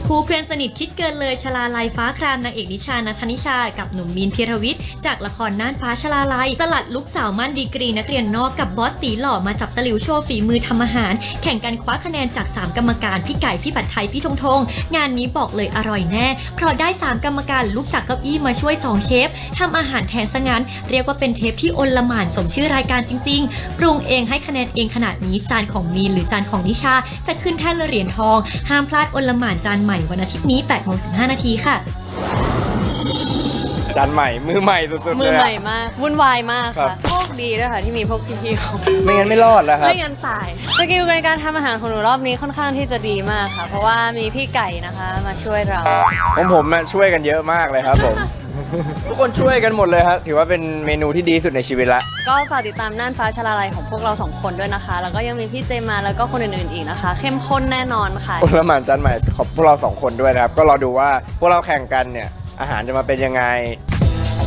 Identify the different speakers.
Speaker 1: คู่เพื่อนสนิทคิดเกินเลยชลาลัยฟ้าครามนางเอกนิชานัทธนิชากับหนุ่มมีนธีรวิทย์จากละครน่านฟ้าชลาลัยสลัดลุกสาวมั่นดีกรีนักเรียนนอกกับบอสตีหล่อมาจับตะหลิวโชว์ฝีมือทำอาหารแข่งกันคว้าคะแนนจาก3กรรมการพี่ไก่พี่ผัดไทยพี่ธงงานนี้บอกเลยอร่อยแน่เพราะได้3กรรมการลุกจากเก้าอี้มาช่วย2เชฟทำอาหารแทนซะงั้นเรียกว่าเป็นเทปที่อลหม่านสมชื่อรายการจริงๆปรุงเองให้คะแนนเองขนาดนี้จานของมีนหรือจานของนิชาจะขึ้นแท่นเหรียญทองห้ามพลาดอลหม่านจานใหม่วันอาทิตย์นี้ 8:15 น.ค่ะ
Speaker 2: จานใหม่มือใหม่สุดๆเลย
Speaker 3: มือใหม่มากวุ่นวายมาก
Speaker 2: ครั
Speaker 3: ค่ะ
Speaker 2: บ
Speaker 3: โชคดีด้วยค่ะที่มีพวกพี่ๆเขา
Speaker 2: ไม่งั้นไม่รอดแล้วครับ
Speaker 3: ไม่งั้นตายสกิลในการทำอาหารของหนูรอบนี้ค่อนข้างที่จะดีมากค่ะ เพราะว่ามีพี่ไก่นะคะมาช่วยเรา
Speaker 2: ของผมช่วยกันเยอะมากเลยครับผม ทุกคนช่วยกันหมดเลยครับถือว่าเป็นเมนูที่ดีสุดในชีวิตละ
Speaker 3: ก็ฝากติดตามน่านฟ้าชลาลัยของพวกเรา2คนด้วยนะคะ แล้วก็ยังมีพี่เจมาแล้วก็คนอื่นๆอีกนะคะ เข้มข้นแน่นอนค่ะ
Speaker 2: อลหม่านจานใหม่ขอบพวกเรา2คนด้วยนะครับก็รอดูว่าพวกเราแข่งกันเนี่ยอาหารจะมาเป็นยังไง